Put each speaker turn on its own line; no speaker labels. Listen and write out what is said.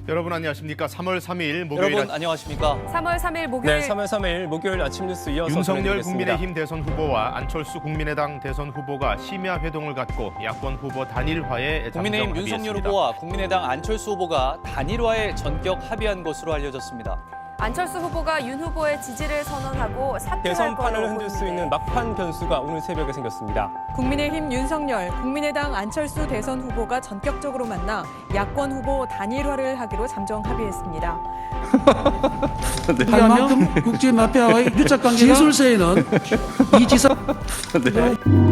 여러분 안녕하십니까? 3월 3일 목요일
여러분 안녕하십니까?
3월 3일 목요일.
네, 3월 3일 목요일 아침 뉴스 이어서
윤석열
전해드리겠습니다.
국민의힘 대선 후보와 안철수 국민의당 대선 후보가 심야 회동을 갖고 야권 후보 단일화에
국민의힘
잠정
윤석열
합의했습니다.
후보와 국민의당 안철수 후보가 단일화에 전격 합의한 것으로 알려졌습니다.
안철수 후보가 윤 후보의 지지를 선언하고 사퇴할
대선판을
걸로
흔들 수
보이는데
있는 막판 변수가 오늘 새벽에 생겼습니다.
국민의힘 윤석열, 국민의당 안철수 대선 후보가 전격적으로 만나 야권 후보 단일화를 하기로 잠정 합의했습니다.
할 만큼 국제 마피아와의 유착 관계가 기술세에는 이 지사